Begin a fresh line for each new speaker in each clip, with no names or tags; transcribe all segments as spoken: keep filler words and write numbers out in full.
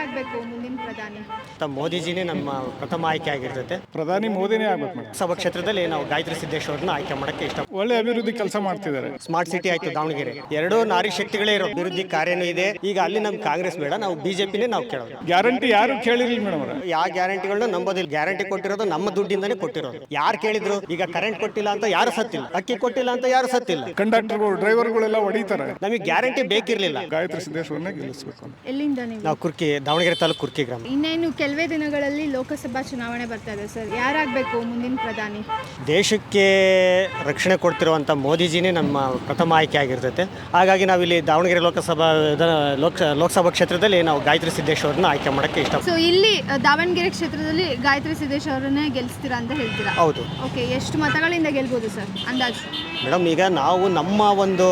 ಯಾರಾಗಬೇಕು ಮುಂದಿನ ಪ್ರಧಾನಿ?
ಮೋದಿಜಿನೇ ನಮ್ಮ ಪ್ರಥಮ ಆಯ್ಕೆ ಆಗಿರ್ತೈತೆ.
ಪ್ರಧಾನಿ ಮೋದಿನೇ ಆಗ್ಬೇಕು ಮೇಡಮ್.
ಸಭಾ ಕ್ಷೇತ್ರದಲ್ಲಿ ನಾವು ಗಾಯತ್ರಿ ಸಿದ್ದೇಶ್ ಅವ್ರನ್ನ ಆಯ್ಕೆ ಮಾಡಕ್ಕೆ ಇಷ್ಟ.
ಒಳ್ಳೆ ಅಭಿವೃದ್ಧಿ ಕೆಲಸ ಮಾಡ್ತಿದ್ದಾರೆ.
ಸ್ಮಾರ್ಟ್ ಸಿಟಿ ಆಯ್ತು ದಾವಣಗೆರೆ, ಎರಡೂ ನಾರಿ ಶಕ್ತಿಗಳೇ ಇರೋ ಅಭಿವೃದ್ಧಿ ಕಾರ್ಯನೂ ಇದೆ. ಈಗ ಅಲ್ಲಿ ನಮ್ ಕಾಂಗ್ರೆಸ್ ಬೇಡ, ನಾವು ಬಿಜೆಪಿನೇ ನಾವು ಕೇಳೋದು.
ಗ್ಯಾರಂಟಿ ಯಾರು ಕೇಳಿರಲಿಲ್ಲ ಮೇಡಮ್ ಅವರ.
ಯಾವ ಗ್ಯಾರಂಟಿಗಳನ್ನ ನಂಬೋದಿಲ್ಲ. ಗ್ಯಾರಂಟಿ ಕೊಟ್ಟಿರೋದು ನಮ್ಮ ದುಡ್ಡಿಂದಾನೇ ಕೊಟ್ಟಿರೋದು. ಯಾರು ಕೇಳಿದ್ರು? ಈಗ ಕರೆಂಟ್ ಕೊಟ್ಟಿಲ್ಲ ಅಂತ ಯಾರು ಸತ್ತಿಲ್ಲ, ಅಕ್ಕಿ ಕೊಟ್ಟಿಲ್ಲ ಅಂತ ಯಾರು ಸತ್ತಿಲ್ಲ.
ಕಂಡಕ್ಟರ್ಗಳು ಡ್ರೈವರ್ಗಳೆಲ್ಲ ಹೊಡಿತಾರೆ.
ನಮಗೆ ಗ್ಯಾರಂಟಿ ಬೇಕಿರ್ಲಿಲ್ಲ.
ಗಾಯತ್ರಿ ಸಿದ್ದೇಶ್ವರನ್ನೇ ಗೆಲ್ಲಿಸಬೇಕು.
ಎಲ್ಲಿಂದ ನೀವು?
ನಾವು ಕುರ್ಕಿ, ದಾವಣಗೆರೆ ತಾಲೂಕು ಕುರ್ಕಿ ಗ್ರಾಮ.
ಇನ್ನೇನು ಕೆಲವೇ ದಿನಗಳಲ್ಲಿ ಲೋಕಸಭಾ ಚುನಾವಣೆ ಬರ್ತಾ ಇದೆ ಸರ್, ಯಾರಾಗಬೇಕು ಮುಂದಿನ ಪ್ರಧಾನಿ?
ದೇಶಕ್ಕೆ ರಕ್ಷಣೆ ಕೊಡ್ತಿರುವಂಥ ಮೋದಿಜಿನೇ ನಮ್ಮ ಪ್ರಥಮ ಆಯ್ಕೆ ಆಗಿರ್ತೈತೆ. ಹಾಗಾಗಿ ನಾವಿಲ್ಲಿ ದಾವಣಗೆರೆ ಲೋಕಸಭಾ ಲೋಕ ಲೋಕಸಭಾ ಕ್ಷೇತ್ರದಲ್ಲಿ ನಾವು ಗಾಯತ್ರಿ ಸಿದ್ದೇಶ್ ಅವ್ರನ್ನ ಆಯ್ಕೆ ಮಾಡೋಕ್ಕೆ ಇಷ್ಟ.
ಸೊ ಇಲ್ಲಿ ಅ, ದಾವಣಗೆರೆ ಕ್ಷೇತ್ರದಲ್ಲಿ ಗಾಯತ್ರಿ ಸಿದ್ದೇಶ್ ಅವರನ್ನೇ ಗೆಲ್ಲಿಸ್ತೀರಾ ಅಂತ ಹೇಳ್ತೀರಾ?
ಹೌದು
ಓಕೆ, ಎಷ್ಟು ಮತಗಳಿಂದ ಗೆಲ್ಬೋದು ಸರ್ ಅಂದಾಜು?
ಮೇಡಮ್, ಈಗ ನಾವು ನಮ್ಮ ಒಂದು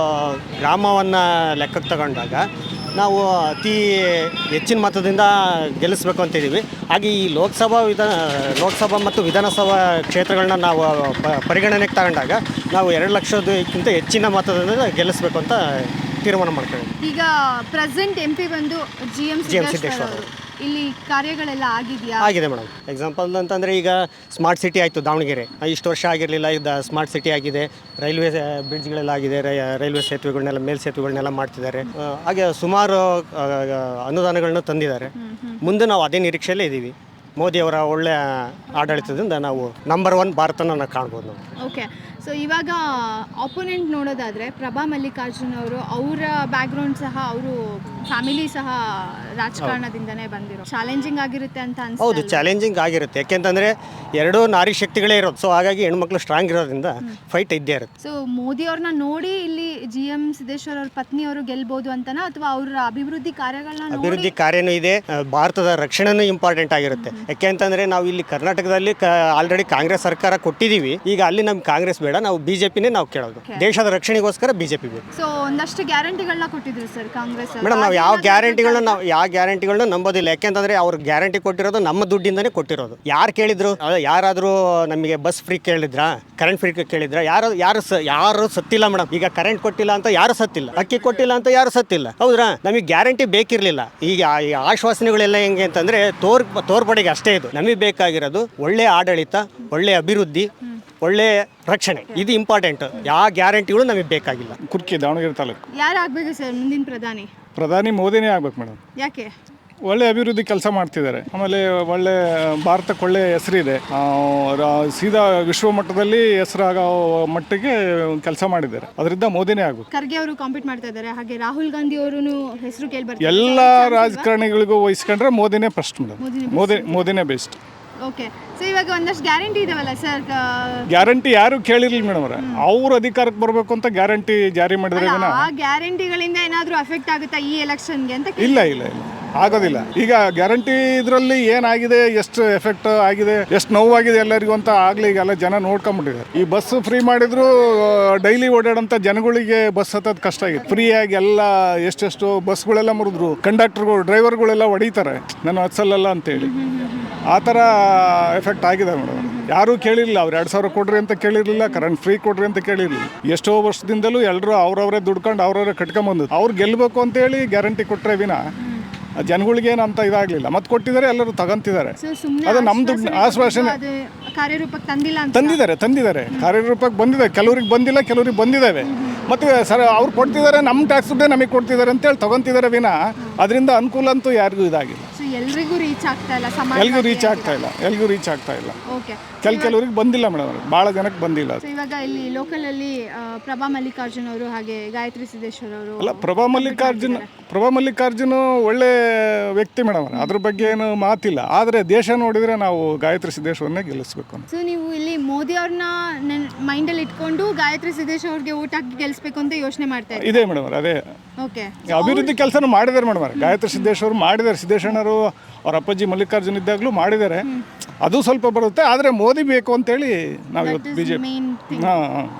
ಗ್ರಾಮವನ್ನು ಲೆಕ್ಕಕ್ಕೆ ತಗೊಂಡಾಗ ನಾವು ಅತಿ ಹೆಚ್ಚಿನ ಮತದಿಂದ ಗೆಲ್ಲಿಸ್ಬೇಕು ಅಂತಿದ್ದೀವಿ. ಹಾಗೆ ಈ ಲೋಕಸಭಾ ವಿಧಾನ ಲೋಕಸಭಾ ಮತ್ತು ವಿಧಾನಸಭಾ ಕ್ಷೇತ್ರಗಳನ್ನ ನಾವು ಪ ಪರಿಗಣನೆಗೆ ತಗೊಂಡಾಗ ನಾವು ಎರಡು ಲಕ್ಷದಕ್ಕಿಂತ ಹೆಚ್ಚಿನ ಮತದಿಂದ ಗೆಲ್ಲಿಸ್ಬೇಕು ಅಂತ ತೀರ್ಮಾನ ಮಾಡ್ತೀವಿ.
ಈಗ ಪ್ರೆಸೆಂಟ್ ಎಂ ಪಿ ಬಂದು G M
G M
Siddeshwar
Siddeshwar
ಅವರು. ಇಲ್ಲಿ ಕಾರ್ಯಗಳೆಲ್ಲ ಆಗಿದೆಯಾ?
ಆಗಿದೆ ಮೇಡಮ್. ಎಕ್ಸಾಂಪಲ್ ಅಂತಂದರೆ ಈಗ ಸ್ಮಾರ್ಟ್ ಸಿಟಿ ಆಯಿತು ದಾವಣಗೆರೆ, ಇಷ್ಟು ವರ್ಷ ಆಗಿರಲಿಲ್ಲ. ಇದು ಸ್ಮಾರ್ಟ್ ಸಿಟಿ ಆಗಿದೆ. ರೈಲ್ವೆ ಬ್ರಿಡ್ಜ್ಗಳೆಲ್ಲ ಆಗಿದೆ. ರೈಲ್ವೆ ಸೇತುವೆಗಳನ್ನೆಲ್ಲ ಮೇಲ್ ಸೇತುವೆಗಳನ್ನೆಲ್ಲ ಮಾಡ್ತಿದ್ದಾರೆ. ಆ, ಹಾಗೆ ಸುಮಾರು ಆ, ಅನುದಾನಗಳನ್ನ ತಂದಿದ್ದಾರೆ. ಮುಂದೆ ನಾವು ಅದೇ ನಿರೀಕ್ಷೆಯಲ್ಲೇ ಇದ್ದೀವಿ. ಮೋದಿಯವರ ಒಳ್ಳೆಯ ಆಡಳಿತದಿಂದ ನಾವು ನಂಬರ್ ಒನ್ ಭಾರತನ ನಾವು ಕಾಣ್ಬೋದು ನಾವು.
ಓಕೆ, ಸೊ ಇವಾಗ ಆಪೋನೆಂಟ್ ನೋಡೋದಾದರೆ ಪ್ರಭಾ ಮಲ್ಲಿಕಾರ್ಜುನ್ ಅವರು, ಅವರ ಬ್ಯಾಕ್ಗ್ರೌಂಡ್ ಸಹ, ಅವರು ಫ್ಯಾಮಿಲಿ ಸಹ ರಾಜಕಾರಣದಿಂದನೇ ಬಂದಿರೋ ಚಾಲೆಂಜಿಂಗ್ ಆಗಿರುತ್ತೆ ಅಂತ ಅನ್ಸುತ್ತೆ.
ಹೌದು, ಚಾಲೆಂಜಿಂಗ್ ಆಗಿರುತ್ತೆ. ಯಾಕೆಂತಂದರೆ ಎರಡೂ ನಾರಿ ಶಕ್ತಿಗಳೇ ಇರೋದು. ಸೊ ಹಾಗಾಗಿ ಹೆಣ್ಮಕ್ಳು ಸ್ಟ್ರಾಂಗ್ ಇರೋದ್ರಿಂದ ಫೈಟ್ ಇದ್ದೇ ಇರುತ್ತೆ.
ಸೊ ಮೋದಿ ಅವ್ರನ್ನ ನೋಡಿ ಇಲ್ಲಿ ಜಿ ಎಂ ಸಿದ್ದೇಶ್ವರ ಅವ್ರ ಪತ್ನಿಯವರು ಗೆಲ್ಬೋದು ಅಂತನಾ, ಅಥವಾ ಅವರ ಅಭಿವೃದ್ಧಿ ಕಾರ್ಯಗಳನ್ನ ನೋಡಿ?
ಅಭಿವೃದ್ಧಿ ಕಾರ್ಯನೂ ಇದೆ, ಆ, ಭಾರತದ ರಕ್ಷಣೆನೂ ಇಂಪಾರ್ಟೆಂಟ್ ಆಗಿರುತ್ತೆ. ಯಾಕೆಂತಂದರೆ ನಾವು ಇಲ್ಲಿ ಕರ್ನಾಟಕದಲ್ಲಿ ಕ ಆಲ್ರೆಡಿ ಕಾಂಗ್ರೆಸ್ ಸರ್ಕಾರ ಕೊಟ್ಟಿದ್ದೀವಿ. ಈಗ ಅಲ್ಲಿ ನಮ್ಗೆ ಕಾಂಗ್ರೆಸ್ ಬೇಡ, ನಾವು ಬಿಜೆಪಿನೇ ನಾವು ಕೇಳೋದು. ದೇಶದ ರಕ್ಷಣೆಗೋಸ್ಕರ ಬಿಜೆಪಿ ಬೇಕು.
ಸೊ ಒಂದಷ್ಟು ಗ್ಯಾರಂಟಿಗಳನ್ನ ಕೊಟ್ಟಿದ್ರು ಸರ್ ಕಾಂಗ್ರೆಸ್ ಅವರು.
ಮೇಡಮ್, ನಾವು ಯಾವ ಗ್ಯಾರಂಟಿಗಳನ್ನ ನಾವು ಯಾವ ಗ್ಯಾರಂಟಿಗಳನ್ನ ನಂಬೋದಿಲ್ಲ. ಯಾಕೆಂತಂದ್ರೆ ಅವ್ರು ಗ್ಯಾರಂಟಿ ಕೊಟ್ಟಿರೋದು ನಮ್ಮ ದುಡ್ಡಿಂದಾನೇ ಕೊಟ್ಟಿರೋದು. ಯಾರು ಕೇಳಿದ್ರು? ಯಾರಾದರೂ ನಮಗೆ ಬಸ್ ಫ್ರೀ ಕೇಳಿದ್ರಾ, ಕರೆಂಟ್ ಫ್ರೀ ಕೇಳಿದ್ರಾ? ಯಾರು ಯಾರು ಸ ಯಾರು ಸತ್ತಿಲ್ಲ ಮೇಡಮ್. ಈಗ ಕರೆಂಟ್ ಕೊಟ್ಟಿಲ್ಲ ಅಂತ ಯಾರು ಸತ್ತಿಲ್ಲ, ಅಕ್ಕಿ ಕೊಟ್ಟಿಲ್ಲ ಅಂತ ಯಾರು ಸತ್ತಿಲ್ಲ. ಹೌದ್ರಾ? ನಮಗೆ ಗ್ಯಾರಂಟಿ ಬೇಕಿರಲಿಲ್ಲ. ಈಗ ಈ ಆಶ್ವಾಸನೆಗಳೆಲ್ಲ ಹೆಂಗೆ ಅಂತಂದ್ರೆ ತೋರ್ ತೋರ್ಪಡೆಗೆ ಅಷ್ಟೇ. ಇದು ನಮಗೆ ಬೇಕಾಗಿರೋದು ಒಳ್ಳೆ ಆಡಳಿತ, ಒಳ್ಳೆ ಅಭಿವೃದ್ಧಿ, ಒಳ್ಳೆ ರಕ್ಷಣೆ. ಇದು ಇಂಪಾರ್ಟೆಂಟ್. ಯಾವ ಗ್ಯಾರಂಟಿಗಳು ನಮಗೆ ಬೇಕಾಗಿಲ್ಲ.
ಕುರ್ಕಿ, ದಾವಣಗೆರೆ ತಾಲೂಕು.
ಯಾರಾಗಬೇಕು ಸರ್ ಮುಂದಿನ ಪ್ರಧಾನಿ?
ಪ್ರಧಾನಿ ಮೋದಿನೇ ಆಗ್ಬೇಕು ಮೇಡಮ್.
ಯಾಕೆ?
ಒಳ್ಳೆ ಅಭಿವೃದ್ಧಿ ಕೆಲಸ ಮಾಡ್ತಿದ್ದಾರೆ. ಆಮೇಲೆ ಒಳ್ಳೆ ಭಾರತಕ್ಕೆ ಒಳ್ಳೆ ಹೆಸರಿದೆ. ಆ, ರ- ಸೀದಾ ವಿಶ್ವ ಮಟ್ಟದಲ್ಲಿ ಹೆಸರಾಗೋ ಮಟ್ಟಿಗೆ ಕೆಲಸ ಮಾಡಿದ್ದಾರೆ. ಅದರಿಂದ ಮೋದಿನೇ ಆಗ್ಬೇಕು.
ಖರ್ಗೆ ಅವರು ಕಾಂಪೀಟ್ ಮಾಡ್ತಾ ಇದ್ದಾರೆ, ಹಾಗೆ ರಾಹುಲ್ ಗಾಂಧಿ ಅವರು ಹೆಸರು ಕೇಳಿ ಬರ್ತಾರೆ.
ಎಲ್ಲ ರಾಜಕಾರಣಿಗಳಿಗೂ ವಹಿಸ್ಕೊಂಡ್ರೆ ಮೋದಿನೇ ಫಸ್ಟ್ ಮೇಡಮ್.
ಮೋದಿನೇ
ಮೋದಿ ಮೋದಿನೇ ಬೆಸ್ಟ್.
ಓಕೆ, ಸೊ ಇವಾಗ ಒಂದಷ್ಟು ಗ್ಯಾರಂಟಿ ಇದಾವಲ್ಲ ಸರ್?
ಗ್ಯಾರಂಟಿ ಯಾರು ಕೇಳಿರ್ಲಿಲ್ಲ ಮೇಡಮ್ ಅವರ. ಅವ್ರು ಅಧಿಕಾರಕ್ಕೆ ಬರಬೇಕು ಅಂತ ಗ್ಯಾರಂಟಿ ಜಾರಿ ಮಾಡಿದ್ರೆ
ಆ ಗ್ಯಾರಂಟಿಗಳಿಂದ ಏನಾದರೂ ಎಫೆಕ್ಟ್ ಆಗುತ್ತಾ ಈ ಎಲೆಕ್ಷನ್ಗೆ ಅಂತ?
ಇಲ್ಲ ಇಲ್ಲ ಇಲ್ಲ ಆಗೋದಿಲ್ಲ. ಈಗ ಗ್ಯಾರಂಟಿ ಇದರಲ್ಲಿ ಏನಾಗಿದೆ, ಎಷ್ಟು ಎಫೆಕ್ಟ್ ಆಗಿದೆ, ಎಷ್ಟು ನೋವಾಗಿದೆ ಎಲ್ಲರಿಗೂ ಅಂತ ಆಗಲಿ ಈಗೆಲ್ಲ ಜನ ನೋಡ್ಕೊಂಬಿಟ್ಟಿದ್ದಾರೆ. ಈ ಬಸ್ ಫ್ರೀ ಮಾಡಿದ್ರು ಡೈಲಿ ಓಡಾಡೋಂಥ ಜನಗಳಿಗೆ ಬಸ್ ಹತ್ತೋದು ಕಷ್ಟ ಆಗಿದೆ. ಫ್ರೀಯಾಗಿ ಎಲ್ಲ ಎಷ್ಟೆಷ್ಟು ಬಸ್ಗಳೆಲ್ಲ ಮುರಿದ್ರು. ಕಂಡಕ್ಟರ್ಗಳು ಡ್ರೈವರ್ಗಳೆಲ್ಲ ಹೊಡಿತಾರೆ ನಾನು ಹತ್ಸಲ್ಲ ಅಂತೇಳಿ. ಆ ಥರ ಎಫೆಕ್ಟ್ ಆಗಿದೆ ಮೇಡಮ್. ಯಾರೂ ಕೇಳಿರಲಿಲ್ಲ. ಅವ್ರು ಎರಡು ಸಾವಿರ ಕೊಡ್ರಿ ಅಂತ ಕೇಳಿರಲಿಲ್ಲ, ಕರೆಂಟ್ ಫ್ರೀ ಕೊಡ್ರಿ ಅಂತ ಕೇಳಿರಲಿಲ್ಲ. ಎಷ್ಟೋ ವರ್ಷದಿಂದಲೂ ಎಲ್ಲರೂ ಅವ್ರವರೇ ದುಡ್ಕೊಂಡು ಅವ್ರವರೇ ಕಟ್ಕೊಂಬಂದು ಅವ್ರು ಗೆಲ್ಲಬೇಕು ಅಂತೇಳಿ ಗ್ಯಾರಂಟಿ ಕೊಟ್ಟರೆ ವಿನ ಜನಗಳಿಗೇನು ಅಂತ ಇದಾಗಲಿಲ್ಲ. ಮತ್ತೆ ಕೊಟ್ಟಿದ್ದಾರೆ, ಎಲ್ಲರೂ ತಗೊಂತಿದ್ದಾರೆ. ಅದು ನಮ್ಮ ದುಡ್ಡು ಆಶ್ವಾಸನೆ
ಕಾರ್ಯರೂಪಕ್ಕೆ ತಂದಿಲ್ಲ ಅಂತ?
ತಂದಿದ್ದಾರೆ ತಂದಿದ್ದಾರೆ ಕಾರ್ಯರೂಪಕ್ಕೆ ಬಂದಿದೆ. ಕೆಲವ್ರಿಗೆ ಬಂದಿಲ್ಲ, ಕೆಲವ್ರಿಗೆ ಬಂದಿದ್ದಾವೆ. ಮತ್ತು ಸರ್ ಅವ್ರು ಕೊಡ್ತಿದ್ದಾರೆ, ನಮ್ಮ ಟ್ಯಾಕ್ಸ್ ದುಡ್ಡೇ ನಮಗೆ ಕೊಡ್ತಿದ್ದಾರೆ ಅಂತೇಳಿ ತಗೊಂತಿದ್ದಾರೆ ವಿನ ಅದರಿಂದ ಅನುಕೂಲ ಅಂತೂ ಯಾರಿಗೂ ಇದಾಗಿಲ್ಲ.
ಎಲ್ರಿಗೂ ರೀಚ್ ಆಗ್ತಾ ಇಲ್ಲ,
ಎಲ್ಗೂ ರೀಚ್ ಆಗ್ತಾ ಇಲ್ಲ ಎಲ್ಗೂ ರೀಚ್ ಆಗ್ತಾ ಇಲ್ಲ
ಓಕೆ,
ಕೆಲ ಕೆಲವ್ರಿಗೆ ಬಂದಿಲ್ಲ ಮೇಡಮ್. ಭಾಳ ಜನಕ್ಕೆ ಬಂದಿಲ್ಲ.
ಸೊ ಇವಾಗ ಇಲ್ಲಿ ಲೋಕಲಲ್ಲಿ ಪ್ರಭಾ ಮಲ್ಲಿಕಾರ್ಜುನ್ ಅವರು ಹಾಗೆ ಗಾಯತ್ರಿ ಸಿದ್ದೇಶ್ವರ ಅವರು.
ಅಲ್ಲ, ಪ್ರಭಾ ಮಲ್ಲಿಕಾರ್ಜುನ್ ಪ್ರಭಾ ಮಲ್ಲಿಕಾರ್ಜುನ್ ಒಳ್ಳೆ ವ್ಯಕ್ತಿ ಮೇಡಮ್. ಅದ್ರ ಬಗ್ಗೆ ಏನು ಮಾತಿಲ್ಲ. ಆದರೆ ದೇಶ ನೋಡಿದರೆ ನಾವು ಗಾಯತ್ರಿ ಸಿದ್ದೇಶ್ವರನ್ನೇ ಗೆಲ್ಲಿಸ್ಬೇಕು.
ಸೊ ನೀವು ಇಲ್ಲಿ ಮೋದಿ ಅವ್ರನ್ನ ಮೈಂಡಲ್ಲಿ ಇಟ್ಕೊಂಡು ಗಾಯತ್ರಿ ಸಿದ್ದೇಶ್ ಅವ್ರಿಗೆ ಓಟ್ ಹಾಕಿ ಗೆಲ್ಲಿಸ್ಬೇಕು ಅಂತ ಯೋಚನೆ ಮಾಡ್ತಾ ಇದ್ದೀವಿ?
ಇದೆ ಮೇಡಮ್. ಅದೇ
ಓಕೆ,
ಅಭಿವೃದ್ಧಿ ಕೆಲಸನೂ ಮಾಡಿದ್ದಾರೆ ಮೇಡಮ್. ಗಾಯತ್ರಿ ಸಿದ್ದೇಶ್ವರು ಮಾಡಿದ್ದಾರೆ. ಸಿದ್ದೇಶಣ್ಣರು ಅವ್ರ ಅಪ್ಪಾಜಿ ಮಲ್ಲಿಕಾರ್ಜುನ್ ಇದ್ದಾಗಲೂ ಮಾಡಿದ್ದಾರೆ. ಅದು ಸ್ವಲ್ಪ ಬರುತ್ತೆ. ಆದರೆ ಮೋದಿ ಬೇಕು ಅಂತೇಳಿ ನಾವು ಇವತ್ತು ಬಿ ಜೆ ಪಿ ಹಾಂ ಹಾಂ